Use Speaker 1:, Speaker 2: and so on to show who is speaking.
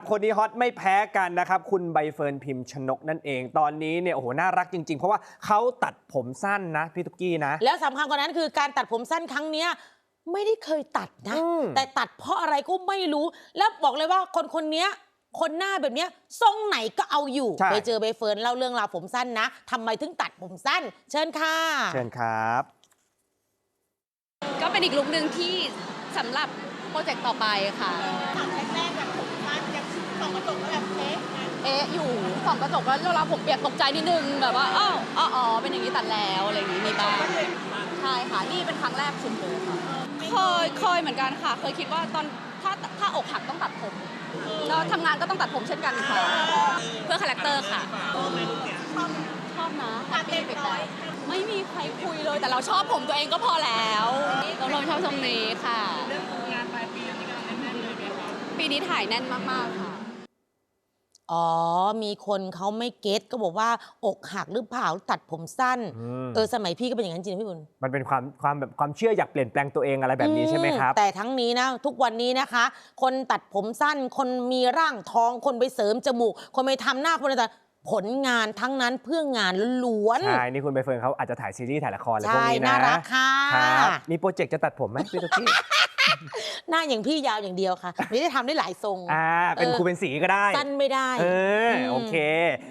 Speaker 1: คนนี้ฮอตไม่แพ้กันนะครับคุณใบเฟิร์นพิมพ์ชนกนั่นเองตอนนี้เนี่ยโอ้โหน่ารักจริงๆเพราะว่าเขาตัดผมสั้นนะพี่ตุ๊กกี้นะ
Speaker 2: แล้วสำคัญกว่านั้นคือการตัดผมสั้นครั้งเนี้ยไม่ได้เคยตัดนะแต่ตัดเพราะอะไรก็ไม่รู้แล้วบอกเลยว่าคนเนี้ยคนหน้าแบบเนี้ยทรงไหนก็เอาอยู่ไปเจอใบเฟิร์นเล่าเรื่องราวผมสั้นนะทำไมถึงตัดผมสั้นเชิญค่ะ
Speaker 1: เชิญครับ
Speaker 3: ก็เป็นอีกลุคหนึ่งที่สำหรับโปรเจกต์ต่อไปค่ะ
Speaker 4: ตัดแรกๆแบบผมสั้นยังส่องกระจกแล้วแบบ
Speaker 3: เอ๊ะอยู่ส่องกระจกแล้วเวลาผมเปียกตกใจนิดนึงแบบว่าอ้าวอ๋อเป็นอย่างนี้ตัดแล้วอะไรอย่างนี้มีบ้างใช่ค่ะนี่เป็นครั้งแรกสุดเลยค่ะเคยเหมือนกันค่ะเคยคิดว่าตอนถ้าอกหักต้องตัดผมแล้วทำงานก็ต้องตัดผมเช่นกันค่ะเพื่อคาแรคเตอร์ค่ะชอบนะแฮปปี้ไปแล้วไม่มีใครคุยเลยแต่เราชอบผมตัวเองก็พอแล้วเราชอบทรงนี้ค่ะเรื่องงานปลายปีนี้กำลังแน่นเลยไหมคะปีนี้ถ่ายแน่นมากๆค่ะ
Speaker 2: อ๋อมีคนเขาไม่เก็ตก็บอกว่าอกหักหรือเปล่าตัดผมสั้นสมัยพี่ก็เป็นอย่างนั้นจริงพี่บุญ
Speaker 1: มันเป็นความเชื่ออยากเปลี่ยนแปลงตัวเองอะไรแบบนี้ใช่ไหมครับ
Speaker 2: แต่ทั้งนี้นะทุกวันนี้นะคะ คนตัดผมสั้นคนมีร่างทองคนไปเสริมจมูกคนไปทำหน้าคนอะไรผลงานทั้งนั้นเพื่องานล้วน
Speaker 1: ใช่นี่คุณใบเฟิร์นเขาอาจจะถ่ายซีรีส์ถ่ายละครอะไรพวกนี้นะ
Speaker 2: น่ารักค่ะ
Speaker 1: มีโปรเจกต์จะตัดผมไหมพี่ตุ๊กกี้
Speaker 2: หน้าอย่างพี่ยาวอย่างเดียวค่ะไม่ได้ทำได้หลายทรง
Speaker 1: เป็นครูเป็นสีก็ได้
Speaker 2: สั้นไม่ได้
Speaker 1: โอเค